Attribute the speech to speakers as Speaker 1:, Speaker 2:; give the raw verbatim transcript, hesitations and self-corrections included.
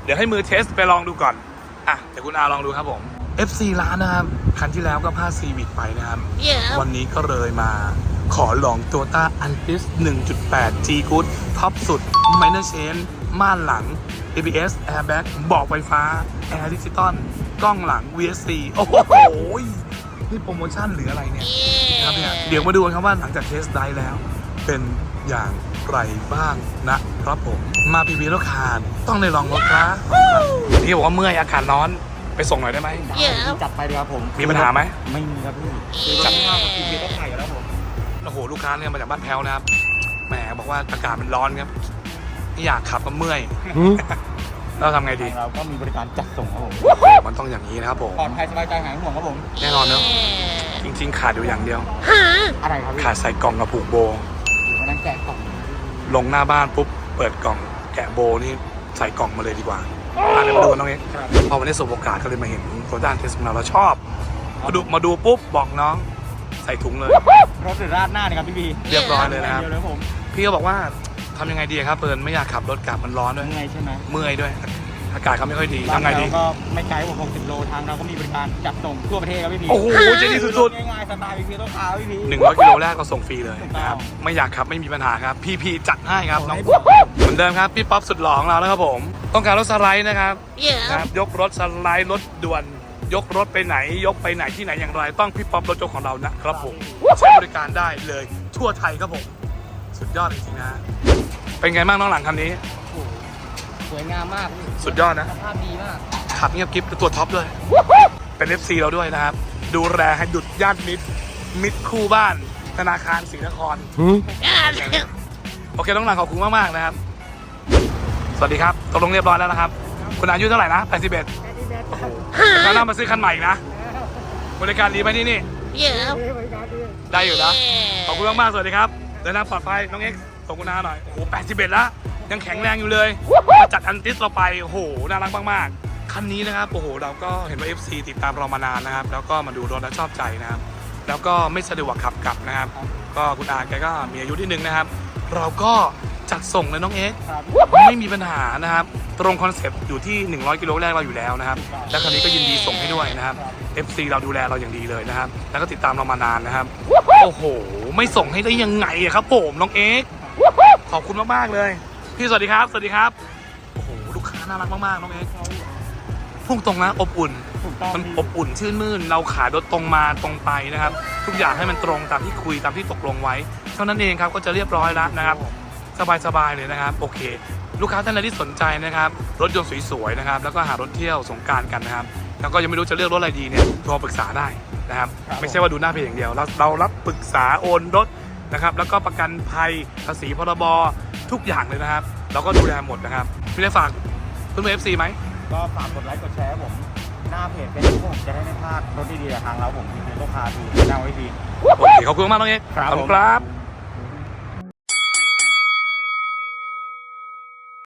Speaker 1: ดี๋ยวให้มือเทสไปลองดูก่อนอ่ะเดี๋ยวคุณอาลองดูครับผม เอฟ ซี ร้านนะครับคันที่แล้วก็พาซีวิกไปนะครับ
Speaker 2: yeah.
Speaker 1: วันนี้ก็เลยมาขอลอง Toyota Altis หนึ่งจุดแปด G Good ท็อปสุด Minor Change ม่านหลัง เอ บี เอส Airbag เบาะไฟฟ้า Air Digital กล้องหลัง วี เอส ซี โอ้โหนี่โปรโมชั่นหรืออะไรเนี่ยนะครับเนี่ยเดี๋ยวมาดูกันครับว่าหลังจากเทสได้แล้วเป็นอย่างไรบ้างนะครับผมมาพีพีรถคารต้องได้ลองรถครับพี่บอกว่าเมื่อยอากาศร้อนไปส่งหน่อยได้ไหม
Speaker 2: yeah.
Speaker 3: จัดไปเลยครับผม
Speaker 1: มีปัญหาไหม
Speaker 3: ไม่มีครับพี่คือจัดง่ายกับพีพีต้องใส่อยู่แล้วผม
Speaker 1: โอ้โหลูกค้าเนี่ยมาจากบ้านแพ้วนะครับแหมบอกว่าอากาศมันร้อนครับไม่อยากขับก็เมื่อยเราทำไงดี
Speaker 3: เราก็มีบริการจัดส่งครับผม
Speaker 1: มันต้องอย่างนี้นะครับผม
Speaker 3: ปลอดภัยสบายใจหายห่วงครับผม
Speaker 1: แน่นอนเนอะจริงๆขาดอยู่อย่างเดียว
Speaker 3: อะไรครับพี่
Speaker 1: ขาดใส่กล่องกับผูกโบ
Speaker 3: วันนั้นแกะกล่อง
Speaker 1: ลงหน้าบ้านปุ๊บเปิดกล่องแกะโบนี่ใส่กล่องมาเลยดีกว่าอ่ะเดี๋ยวมาดูกันน้องเอ็กซ์พอวันนี้สบโอกาสก็เลยมาเห็นตัวด้านเทสของเราเราชอบมาดูมาดูปุ๊บบอกน้องใส่ถุงเลย
Speaker 3: รถหรือราดหน้าเนี่ยครับพี่บี
Speaker 1: เรียบร้อยเลยนะครับ
Speaker 3: เดียวเลยผม
Speaker 1: พี่ก็บอกว่าทำยังไงดีครับเปิดไม่อยากขับรถกลับมันร้อนด้วย
Speaker 3: ยังไงใช่ไหม
Speaker 1: เมื่อยด้วยอากาศเขาไม่ค่อยดีทำไงดี
Speaker 3: เราก็ไม่ไกลผมหกสิบโลทางเราก็มีบริการจัดส่งทั่วประเทศครับพี่บี
Speaker 1: โอ้โหเจดีสุด
Speaker 3: ง่ายๆสไตล์พีพีต้องขาวพี่บี
Speaker 1: ๆหนึ่งร้อยกิโลแรกก็ส่งฟรีเลยนะครับไม่อยากขับไม่มีปัญหาครับพี่พีจัดให้ครับน้องเหมือนเดิมครับพี่ป๊อปสุดหล่อของเราแล้วครับผมต้องการรถสไลด์นะครับ
Speaker 2: yeah.
Speaker 1: นะครับยกรถสไลด์รถด่วนยกรถไปไหนยกไปไหนที่ไหนอย่างไรต้องพี่ป๊อปรถยกของเรานะครับผมใช้บริการได้เลยทั่วไทยครับผมสุดยอดจริงๆนะเป็นไงบ้างน้องหลังคันนี้
Speaker 3: สวยงามมาก
Speaker 1: สุดยอดนะ
Speaker 3: สภาพดีมาก
Speaker 1: ขับเงียบกิ๊บเป็นตัวท็อปด้วยเป็น เอฟ ซี เราด้วยนะครับดูแลให้ดุดญาติมิตรมิตรคู่บ้านธนาคารศรีนคร โอเคน้องหลังขอบคุณมากๆนะครับสวัสดีครับตกลงเรียบร้อยแล้วนะครับคุณอายุเท่าไหร่นะแปดสิบเอ็ดโอ้โหแล้วน่ามาซื้อคันใหม่อีกนะบริการดีไหมที่นี่
Speaker 2: yeah.
Speaker 1: ได้อยู่นะ
Speaker 2: yeah.
Speaker 1: ขอบคุณมากๆสวัสดีครับเดินทางปลอดภัยน้องเอ็กซ์ส่งคุณอาหน่อยโอ้โหแปดสิบเอ็ดแล้วยังแข็งแรงอยู่เลยมาจัดอันติสเราไปโอ้โหน่ารักมากๆคันนี้นะครับโอ้โหเราก็เห็นว่า เอฟ ซี ติดตามเรามานานนะครับแล้วก็มาดูรถแล้วชอบใจนะครับแล้วก็ไม่สะดวกขับกลับนะครับก็คุณอาแกก็มีอายุนิดนึงนะครับเราก็จัดส่งเลยน้องเอ็กซ์
Speaker 3: ครับ
Speaker 1: ไม่มีปัญหานะครับตรงคอนเซปต์อยู่ที่หนึ่งร้อยกิโลแรกเราอยู่แล้วนะครับและคันนี้ก็ยินดีส่งให้ด้วยนะครับ เอฟ ซี เราดูแลเราอย่างดีเลยนะครับแล้วก็ติดตามเรามานานนะครับโอ้โหไม่ส่งให้ได้ยังไงอะครับผมน้องเอ็กซ์ขอบคุณมากๆเลยพี่สวัสดีครับสวัสดีครับโอ้โหลูกค้าน่ารักมากๆน้องเอ็กซ์พุ่งตรงนะอบอุ่น
Speaker 3: ถูกต้อง
Speaker 1: มันอบอุ่นชื่นมื่นเราขายรถตรงมาตรงไปนะครับทุกอย่างให้มันตรงตามที่คุยตามที่ตกลงไว้เท่านั้นเองครับก็จะเรียบร้อยแล้วนะครับสบายๆเลยนะครับโอเค ลูกค้าท่านใดที่สนใจนะครับรถยนต์สวยๆนะครับแล้วก็หารถเที่ยวสงกรานต์กันนะครับแล้วก็ยังไม่รู้จะเลือกรถอะไรดีเนี่ยโทรปรึกษาได้นะครับไม่ใช่ว่าดูหน้าเพจอย่างเดียวเราเรารับปรึกษาโอนรถนะครับแล้วก็ประกันภัยภาษีพรบทุกอย่างเลยนะครับเราก็ดูแลหมดนะครับพี่ได้ฝากเพื่อนๆ เอฟ ซี ไหม
Speaker 3: ก็ฝากกดไลค์กดแชร์ผมหน้าเพจเป็นผมจะได้ไม่พลาดรถดีๆจากทางเราผมพีพีต้องพาดูหน้าไว้ดี
Speaker 1: โอเคขอบคุณมากน้องเอ็กซ์
Speaker 3: ครับ
Speaker 1: ขอบ
Speaker 3: ผม
Speaker 1: คุณครับ